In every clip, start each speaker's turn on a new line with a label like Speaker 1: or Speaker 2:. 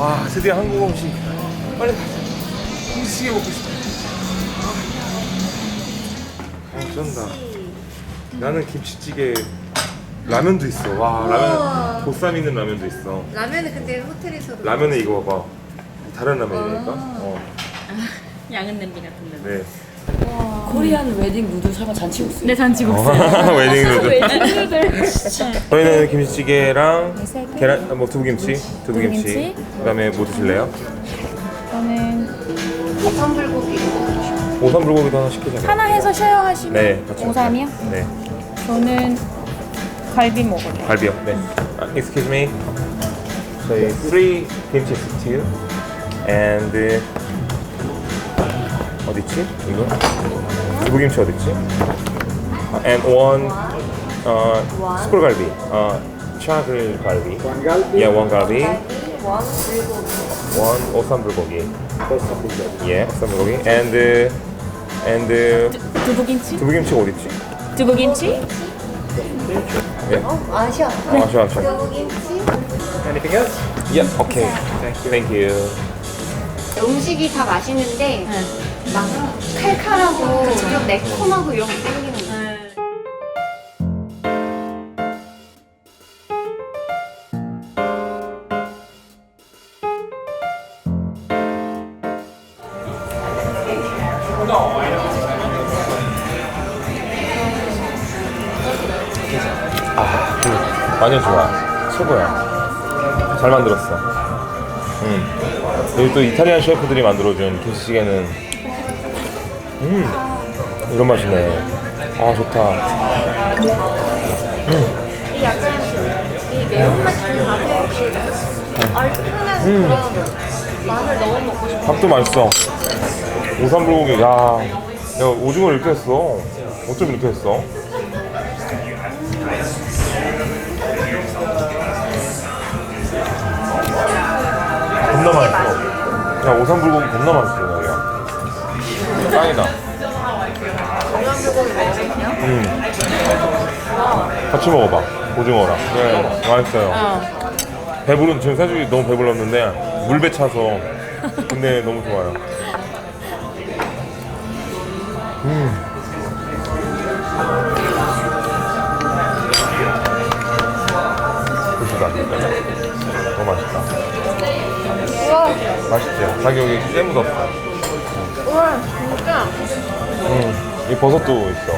Speaker 1: 와, 드디어 한국 음식. 빨리 가자. 김치찌개 먹고 싶어. 쩐다. 나는 김치찌개. 라면도 있어. 와, 라면 보쌈 있는 라면도 있어.
Speaker 2: 라면은 근데 호텔에서도
Speaker 1: 라면에 이거 봐봐. 다른 라면이니까.
Speaker 3: 양은 냄비 같은 데.
Speaker 1: 네.
Speaker 4: 코리안 웨딩 누들 설마 잔치국수?
Speaker 3: 네, 잔치국수.
Speaker 1: 웨딩 누들.
Speaker 3: 웨딩
Speaker 1: 저희는 김치찌개랑 계란, 뭐 두부김치,
Speaker 3: 두부김치.
Speaker 1: 그다음에 뭐 드실래요?
Speaker 3: 저는
Speaker 2: 오삼불고기.
Speaker 1: 오삼불고기도 하나 시키자.
Speaker 3: 하나 해서 쉐어하시면
Speaker 1: 네, 같이.
Speaker 3: 오삼이요?
Speaker 1: 네.
Speaker 3: 저는 갈비 먹을래요.
Speaker 1: 갈비요. 네. Excuse me. 저희 3 김치 스튜 and 어디 있지? 이거? 두부김치 어디 있지? And one 숯불갈비. 차글갈비. Yeah, one 갈비. One 오삼불고기. Yeah, 오삼불고기. And
Speaker 3: 두부김치?
Speaker 1: 두부김치가 어디 있지?
Speaker 3: 두부김치?
Speaker 1: 네.
Speaker 2: 아쉬워.
Speaker 1: 아쉬워.
Speaker 2: 두부김치.
Speaker 1: Anything else? Yeah. Okay. Thank you.
Speaker 2: 음식이 다 맛있는데 막 칼칼하고 좀 매콤하고 이런 거 땡기는 거.
Speaker 1: 완전 좋아. 최고야. 잘 만들었어. 여기 또 이탈리안 셰프들이 만들어준 김치찌개는 이런 맛이네. 아, 좋다.
Speaker 2: 이 약간 이 매운맛이 가득 얼큰한 그런 맛을 너무 먹고 싶어.
Speaker 1: 밥도 맛있어. 오삼불고기. 야, 내가 오징어를 이렇게 했어. 어쩜 이렇게 했어? 겁나 맛있어. 야, 오삼불고기 겁나 맛있어, 여기야. 짱이다.
Speaker 2: 오삼불고기 먹으면요?
Speaker 1: 같이 먹어봐. 오징어랑. 네, 맛있어요. 배부른, 지금 사실 너무 배불렀는데, 물배 차서. 근데 너무 좋아요. 보시다. 너무 맛있다.
Speaker 2: 우와,
Speaker 1: 맛있지? 가격이 꽤 묻었어.
Speaker 2: 우와, 진짜.
Speaker 1: 이 버섯도 있어.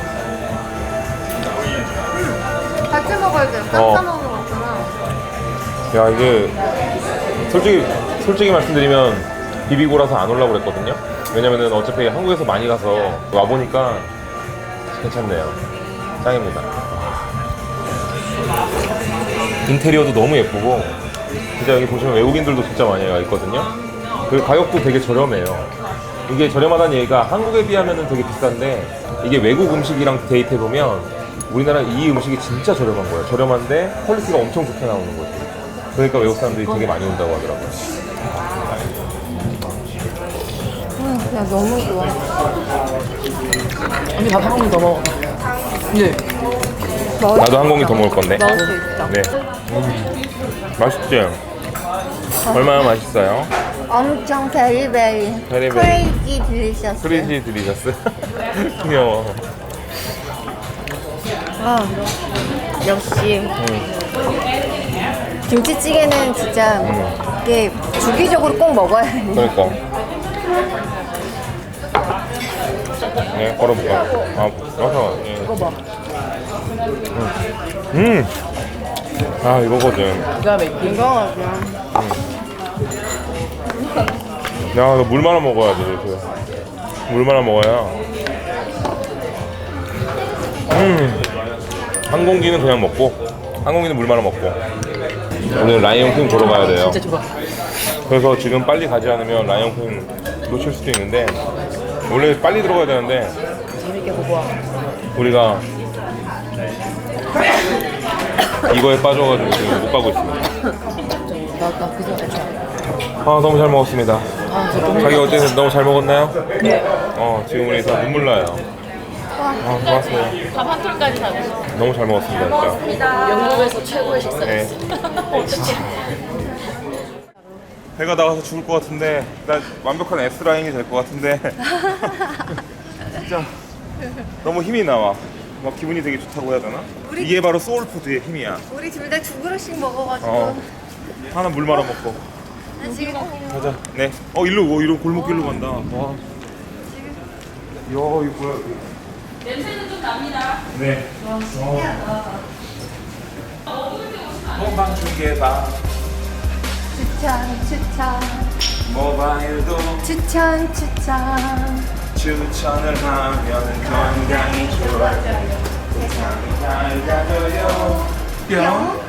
Speaker 2: 같이 먹어야 돼. 깎아 먹는 거구나.
Speaker 1: 야, 이게 솔직히 말씀드리면 비비고라서 안 올라고 그랬거든요. 왜냐면은 어차피 한국에서 많이 가서 와 보니까 괜찮네요. 짱입니다. 인테리어도 너무 예쁘고 진짜 여기 보시면 외국인들도 진짜 많이 와 있거든요. 그리고 가격도 되게 저렴해요. 이게 저렴하다는 얘기가 한국에 비하면 되게 비싼데 이게 외국 음식이랑 데이트해 보면 우리나라 이 음식이 진짜 저렴한 거예요. 저렴한데 퀄리티가 엄청 좋게 나오는 거죠. 그러니까 외국 사람들이 되게 많이 온다고 하더라고요.
Speaker 2: 그냥 너무 좋아.
Speaker 4: 언니 밥 한 공기 더 먹어. 네.
Speaker 1: 나도 한 공기 더 먹을 건데.
Speaker 2: 먹을 수 있어.
Speaker 1: 네. 맛있지? 얼마나 맛있어요?
Speaker 2: 엄청 베리베리.
Speaker 1: 베리베리.
Speaker 2: 크레이지 딜리셔스.
Speaker 1: 크레이지 드리셨어요? 귀여워.
Speaker 2: 아, 역시. 김치찌개는 진짜 이게 주기적으로 꼭 먹어야 돼.
Speaker 1: 그러니까. 네, 걸어볼까? 아, 맞아. 예.
Speaker 4: 이거 봐.
Speaker 1: 아, 이거거든.
Speaker 4: 기가 막히게.
Speaker 2: 이거
Speaker 1: 야, 너 물 말아 먹어야지, 이렇게. 물 말아 먹어야. 한 공기는 그냥 먹고, 한 공기는 물 말아 먹고. 오늘 라이온킹 보러 가야 돼요.
Speaker 4: 진짜 좋아.
Speaker 1: 그래서 지금 빨리 가지 않으면 라이온킹 놓칠 수도 있는데, 원래 빨리 들어가야 되는데,
Speaker 4: 재밌게 보고 와.
Speaker 1: 우리가 이거에 빠져가지고 지금 못 가고 있습니다.
Speaker 4: 나그 생각 좋아.
Speaker 1: 아, 너무 잘 먹었습니다.
Speaker 4: 아, 진짜 너무
Speaker 1: 자기 어때요? 너무 잘 먹었나요?
Speaker 4: 네.
Speaker 1: 지금 우리 다 눈물 나요. 아, 고맙습니다.
Speaker 3: 밥 한 톨까지 다 드셨어요.
Speaker 1: 너무 잘 먹었습니다, 진짜.
Speaker 4: 영국에서 최고의 식사.
Speaker 1: 네. 배가 나가서 죽을 것 같은데 나 완벽한 S라인이 될 것 같은데 진짜 너무 힘이 나와. 막 기분이 되게 좋다고 해야 되나? 이게 바로 소울푸드의 힘이야.
Speaker 2: 우리 둘 다 두 그릇씩 먹어가지고.
Speaker 1: 어. 하나 물 말아 먹고.
Speaker 2: 나 지금
Speaker 1: 가자. 네. 일로 골목길로 간다. 와. 야, 이거 뭐야?
Speaker 3: 냄새는 좀 납니다.
Speaker 1: 네. 본방 중계방
Speaker 2: 추천.
Speaker 1: 모바일도
Speaker 2: 추천.
Speaker 1: 추천을 하면 건강이 좋아져요. 세상이 밝아져요. 뿅.